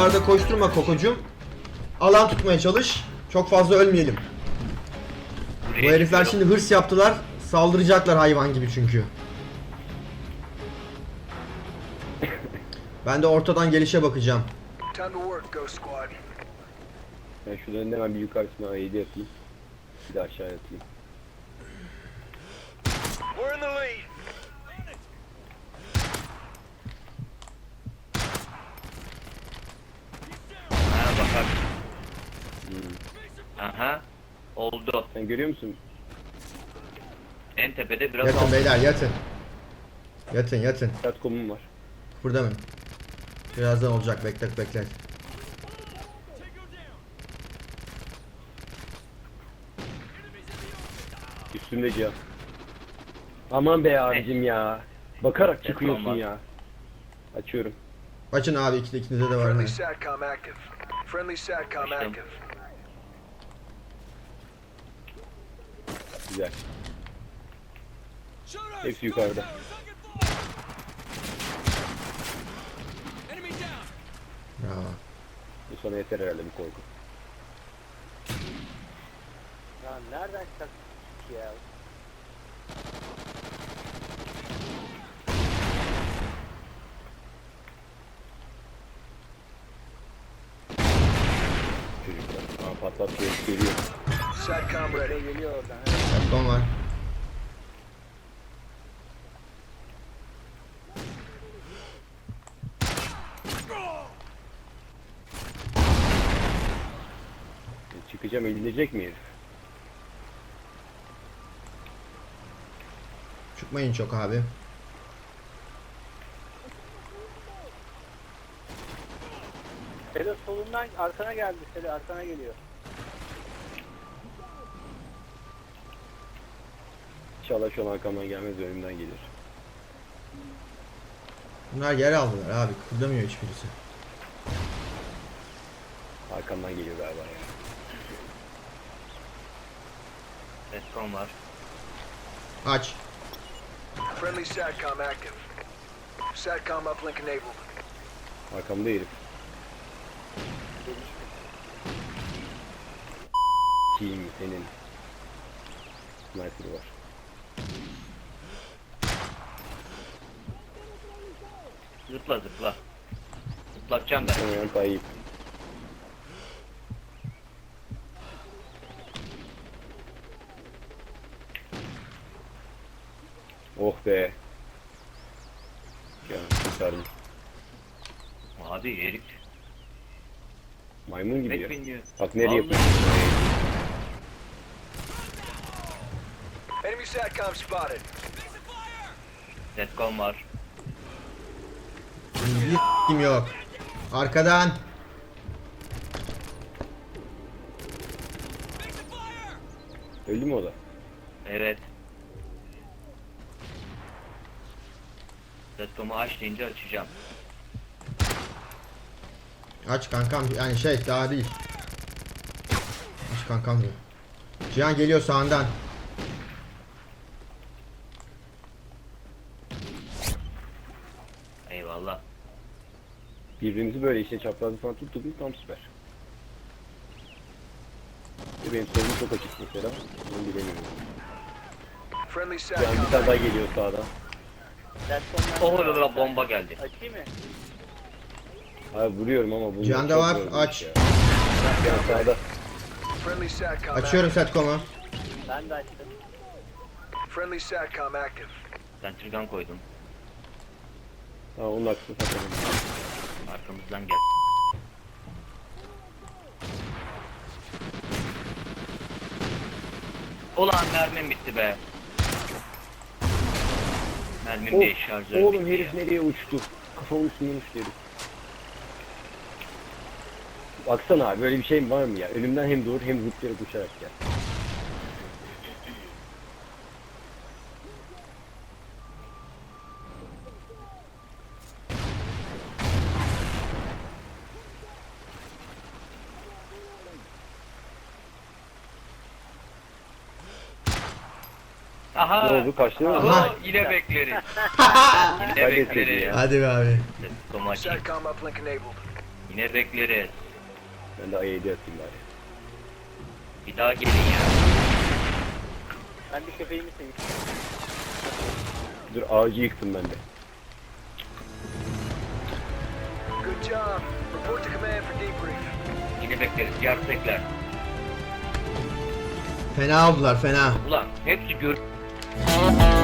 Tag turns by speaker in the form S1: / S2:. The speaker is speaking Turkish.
S1: Oralarda koşturma Kokocuğum. Alan tutmaya çalış. Çok fazla ölmeyelim. Bu herifler şimdi hırs yaptılar. Saldıracaklar hayvan gibi çünkü. Ben de ortadan gelişe bakacağım.
S2: Ben şuradan hemen bir yukarısına A7 yapayım. Bir de aşağı atayım.
S3: Ha bakar. Aha. Oldu.
S2: Sen görüyor musun?
S3: En tepede biraz
S1: Yatın
S3: aldı.
S1: beyler yatın. Yatın yatın.
S2: Satcom'um var.
S1: Burada mı? Birazdan olacak, beklet.
S2: Üstümde cihaz. Aman be abicim ya. Bakarak çıkıyorsun
S3: olmaz.
S2: ya. Açıyorum.
S1: Açın abi, ikinizde de var.
S4: Friendly SATCOM active. Friendly SATCOM
S3: Açtım.
S4: active.
S2: Güzel. Hepsi yukarıda.
S1: Bravo.
S2: Bu sana yeter herhalde bir korku.
S5: Ya nereden çıkacak ya?
S2: Çocuklar. Aa patlatıyor. Geliyor.
S4: SATCOM ready.
S5: Geliyor oradan.
S1: Satcom var.
S2: Çıkacağım, eğilecek mi herif?
S1: Çıkmayın çok abi.
S5: Selo solundan arkana geldi. Selo arkana geliyor.
S2: İnşallah şu an arkamdan gelmez, önümden gelir.
S1: Bunlar yer aldılar abi. Kıpırdamıyor hiçbirisi.
S2: Arkamdan geliyor galiba ya.
S3: Respawn var.
S1: Aç.
S4: Friendly SATCOM active. SATCOM uplink enabled.
S2: Arkamda herif. Kim senin? Sniper var.
S3: Zıpla zıpla. Zıplatacağım ben.
S2: Muhtemelen Tayyip. Oh be. Ya kurtardım.
S3: Abi herif.
S2: Maymun gibi ya.
S3: Pek biniyor.
S2: Bak nereye yapıyor.
S4: Enemy SATCOM spotted.
S3: Respawn var.
S1: Bir kim yok. Arkadan.
S2: Öldü mü o da?
S3: Evet. Respawn'u aç deyince açacağım.
S1: Aç kankam. Yani şey daha değil. Aç kankam diyor. Cihan geliyor sağından.
S3: Eyvallah.
S2: Birbirimizi böyle işte çaprazı falan tuttuk mu tam süper. Benim solum çok açık mesela. Bunu bilemiyorum.
S4: Friendly
S2: Yani bir
S4: SATCOM
S2: tane daha
S4: active.
S2: geliyor sağdan.
S5: Platformdan
S3: Oh la bomba geldi.
S5: Açayım mı?
S2: Abi vuruyorum ama bunu
S1: Cihan'da
S2: çok
S1: var,
S2: yormuş
S1: aç.
S2: ya. Cihan sağda.
S4: Friendly SATCOM
S1: Açıyorum
S4: active.
S1: Satcom'u.
S5: Ben de açtım.
S4: Friendly SATCOM active.
S3: Sentrigan koydum.
S2: Ha onun aksını satalım.
S3: Arkamızdan gel. Ulan mermim bitti be. Mermim de şarjörüm
S2: Oğlum
S3: bitti
S2: herif
S3: ya.
S2: nereye uçtu? Kafamın üstünden uçtu herif. Baksana abi böyle bir şey var mı ya? Önümden hem doğru hem zıplayarak uçarak gel.
S3: Aha.
S2: Ne oldu, kaçtı mı?
S3: Aha. Yine bekleriz. Yine
S2: Kaybetmedi
S3: bekleriz.
S2: ya.
S1: Hadi be abi.
S3: Domates.
S4: SATCOM uplink enabled.
S3: Yine bekleriz.
S2: Ben de A7 atayım bari.
S3: Bir daha gelin ya.
S5: Ben bir köpeğimi seveyim.
S2: Dur ağacı yıktım ben de.
S4: Good job. Report to command for debrief.
S3: Yine bekleriz. Gerçekler.
S1: Fena oldular fena.
S3: Ulan hepsi gör...